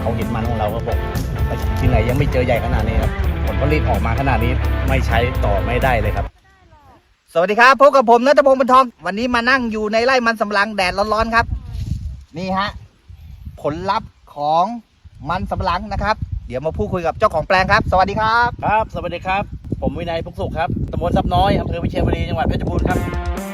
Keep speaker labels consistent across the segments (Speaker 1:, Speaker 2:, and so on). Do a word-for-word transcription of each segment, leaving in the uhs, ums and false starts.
Speaker 1: เขาเห็นมันของเราก็บอกที่ไหนยังไม่เจอใหญ่ขนาดนี้ครับผลผลิตออกมาขนาดนี้ไม่ใช้ต่อไม่ได้เลยครับ
Speaker 2: สวัสดีครับพบกับผมณัฐพงศ์ บรรทองวันนี้มานั่งอยู่ในไร่มันสำปะหลังแดดร้อนๆครับนี่ฮะผลลัพธ์ของมันสำปะหลังนะครับเดี๋ยวมาพูดคุยกับเจ้าของแปลงครับสวัสดีครับ
Speaker 1: ครับสวัสดีครับผมวินัยพุกสุขครับตำบลทรัพย์น้อยอำเภอวิเชียรบุรีจังหวัดเพชรบูรณ์ครับ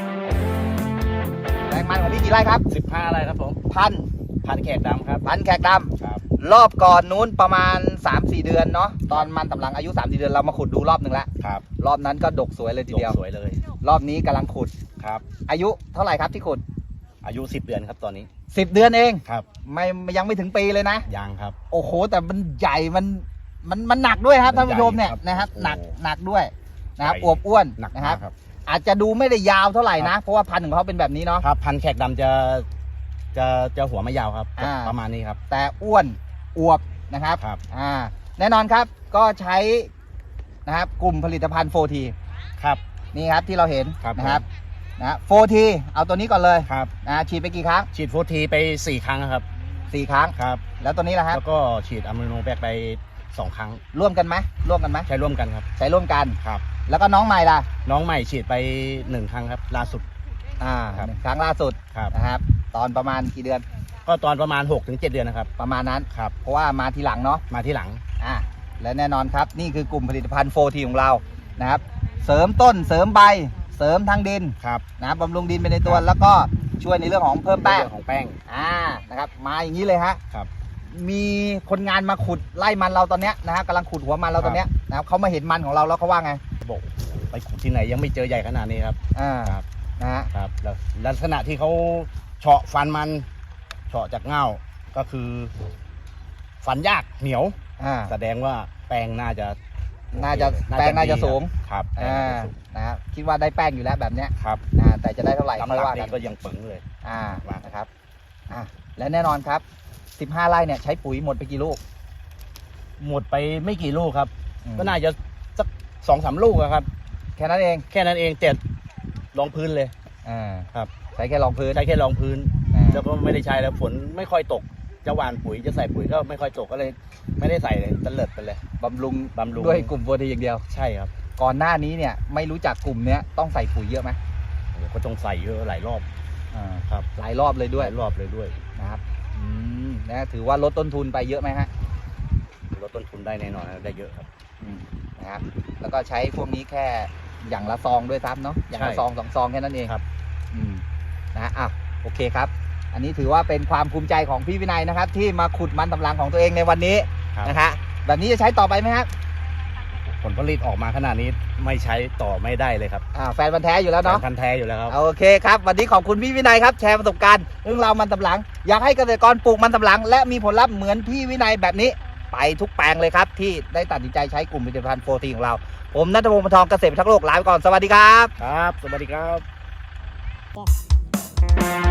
Speaker 2: แปลงมันของพี่กี่ไร่ครับ
Speaker 1: สิบห้าไร่ครับผม
Speaker 2: พัน
Speaker 1: พันแขกดำครับ
Speaker 2: พันแขกดำ
Speaker 1: ครับ
Speaker 2: รอบก่อนนู้นประมาณ สามสี่ เดือนเนาะตอนมันสำปะหลังอายุ สามสี่ เดือนเรามาขุดดูรอบหนึ่งแล้ว
Speaker 1: ครับ
Speaker 2: รอบนั้นก็ดกสวยเลยทีเดียว
Speaker 1: สวยเลย
Speaker 2: รอบนี้กำลังขุด
Speaker 1: ครับ
Speaker 2: อายุเท่าไหร่ครับที่ขุด
Speaker 1: อายุสิบเดือนครับตอนนี้
Speaker 2: สิบเดือนเอง
Speaker 1: ครับ
Speaker 2: ไม่ยังไม่ถึงปีเลยนะ
Speaker 1: ยังครับ
Speaker 2: โอ้โหแต่มันใหญ่มันมันมันหนักด้วยครับท่านผู้ชมเนี่ยนะครับหนักหนักด้วยนะครับอวบอ้วนนะครับอาจจะดูไม่ได้ยาวเท่าไหร่นะเพราะว่าพันธุ์ของเขาเป็นแบบนี้เนาะ
Speaker 1: ครับพันแขกดำจะจะจะหัวไม่ยาวครับประมาณนี้ครับ
Speaker 2: แต่อ้วนอวบนะครับ
Speaker 1: ครับ
Speaker 2: อ่าแน่นอนครับก็ใช้นะครับกลุ่มผลิตภัณฑ์ โฟร์ที
Speaker 1: ครับ
Speaker 2: นี่ครับที่เราเห็น
Speaker 1: ครับ
Speaker 2: นะครับนะ โฟร์ที เอาตัวนี้ก่อนเลย
Speaker 1: ครับ
Speaker 2: นะฉีดไปกี่ครั้ง
Speaker 1: ฉีด โฟร์ที ไปสี่ครั้งครับ
Speaker 2: สี่ครั้ง
Speaker 1: ครับ
Speaker 2: แล้วตัวนี้ล่ะครับ
Speaker 1: แล้วก็ฉีดอะมิโนแบคไปสองครั้ง
Speaker 2: ร่วมกันไหมร่วมกันไหม
Speaker 1: ใช้ร่วมกันครับ
Speaker 2: ใช้ร่วมกัน
Speaker 1: ครับ
Speaker 2: แล้วก็น้องใหม่ล่ะ
Speaker 1: น้องใหม่ฉีดไปหนึ่งครั้งครับล่าสุด
Speaker 2: อ่าครั้งล่าสุดนะครับตอนประมาณกี่เดือน
Speaker 1: ก็ตอนประมาณ หกถึงเจ็ด เดือนนะครับ
Speaker 2: ประมาณนั้น
Speaker 1: ครับ
Speaker 2: เพราะว่ามาทีหลังเนาะ
Speaker 1: มาทีหลัง
Speaker 2: อ่าและแน่นอนครับนี่คือกลุ่มผลิตภัณฑ์ โฟร์ที ของเรานะครับเสริมต้นเสริมใบเสริมทางดิน
Speaker 1: ครับ
Speaker 2: นะบำรุงดินไปในตัวแล้วก็ช่วยในเรื่องของเพิ่มแป้ง
Speaker 1: ของแป้ง
Speaker 2: อ่านะครับมาอย่างนี้เลยฮะ
Speaker 1: ครับ
Speaker 2: มีคนงานมาขุดไล่มันเราตอนเนี้ยนะฮะกำลังขุดหัวมันเราตอนเนี้ยนะครับเขามาเห็นมันของเราแล้วเขาว่าไง
Speaker 1: บอกไปขุดที่ไหนยังไม่เจอใหญ่ขนาดนี้ครับ
Speaker 2: อ่า
Speaker 1: ครับ
Speaker 2: นะฮะ
Speaker 1: ครับแล้วลักษณะที่เขาเฉาะฟันมันเฉาะจากเง่าก็คือฟันยากเหนียว
Speaker 2: อ่า
Speaker 1: แสดงว่าแป้งน่าจะ
Speaker 2: น่าจะแป้งน่าจะสูง
Speaker 1: ครับ
Speaker 2: อ่านะครับคิดว่าได้แป้งอยู่แล้วแบบเนี้ย
Speaker 1: ครับ
Speaker 2: อ่าแต่จะได้เท่าไหร่
Speaker 1: ไม่ว่ากันก็ยังปึงเลย
Speaker 2: อ่านะครับอ่าและแน่นอนครับสิบห้าไร่เนี่ยใช้ปุ๋ยหมดไปกี่ลูก
Speaker 1: หมดไปไม่กี่ลูกครับก็น่าจะสักสองสามลูกครับ
Speaker 2: แค่นั้นเอง
Speaker 1: แค่นั้นเองเจ็ดรองพื้นเลย
Speaker 2: อ่า
Speaker 1: ครับ
Speaker 2: ใช้แค่รองพื้น
Speaker 1: ใช้แค่รองพื้นแล้วก็ไม่ได้ใช้แล้วฝนไม่ค่อยตกจะหว่านปุ๋ยจะใส่ปุ๋ยก็ไม่ค่อยตกก็เลยไม่ได้ใส่เลยตะเลิดไปเลย
Speaker 2: บำรุง
Speaker 1: บำรุง
Speaker 2: ด้วยกลุ่มโฟร์ทีอย่างเดียว
Speaker 1: ใช่ครับ
Speaker 2: ก่อนหน้านี้เนี่ยไม่รู้จักกลุ่มเนี้ยต้องใส่ปุ๋ยเยอะไหม
Speaker 1: ก็ต้องใส่เยอะหลายรอบ
Speaker 2: อ่า
Speaker 1: ครับ
Speaker 2: หลายรอบเลยด้วย
Speaker 1: หลายรอบเลยด้วย
Speaker 2: นะครับอืมนะถือว่าลดต้นทุนไปเยอะไหมฮะ
Speaker 1: ลดต้นทุนได้แน่นอนได้เยอะครับ
Speaker 2: นะครับแล้วก็ใช้พวกนี้แค่อย่างละซองด้วยซ้ำเนาะอย่างละซองสองซองแค่นั้นเอง
Speaker 1: ครับ
Speaker 2: อืมนะอ่ะโอเคครับอันนี้ถือว่าเป็นความภูมิใจของพี่วินัยนะครับที่มาขุดมันสำปะหลังของตัวเองในวันนี้นะฮะแบบนี้จะใช้ต่อไปไหมครับ
Speaker 1: ผลผลิตออกมาขนาดนี้ไม่ใช้ต่อไม่ได้เลยครับ
Speaker 2: อ่าแฟนพันธุ์แท้อยู่แล้วเนาะ
Speaker 1: แฟนพันธุ์แท้อยู่แล้วครับ
Speaker 2: โอเคครับวันนี้ขอบคุณพี่วินัยครับแชร์ประสบการณ์เรื่องราวมันสำปะหลังอยากให้เกษตรกรปลูกมันสำปะหลังและมีผลลัพธ์เหมือนพี่วินัยแบบนี้ไปทุกแปลงเลยครับที่ได้ตัดสินใจใช้กลุ่มผลิตภัณฑ์ โฟร์ที ของเราผมณัฐพงศ์ บรรทองเกษตรพิทักษ์โลกลาไปก่อนสวัสดีครับ
Speaker 1: ครับสวัสดีครับ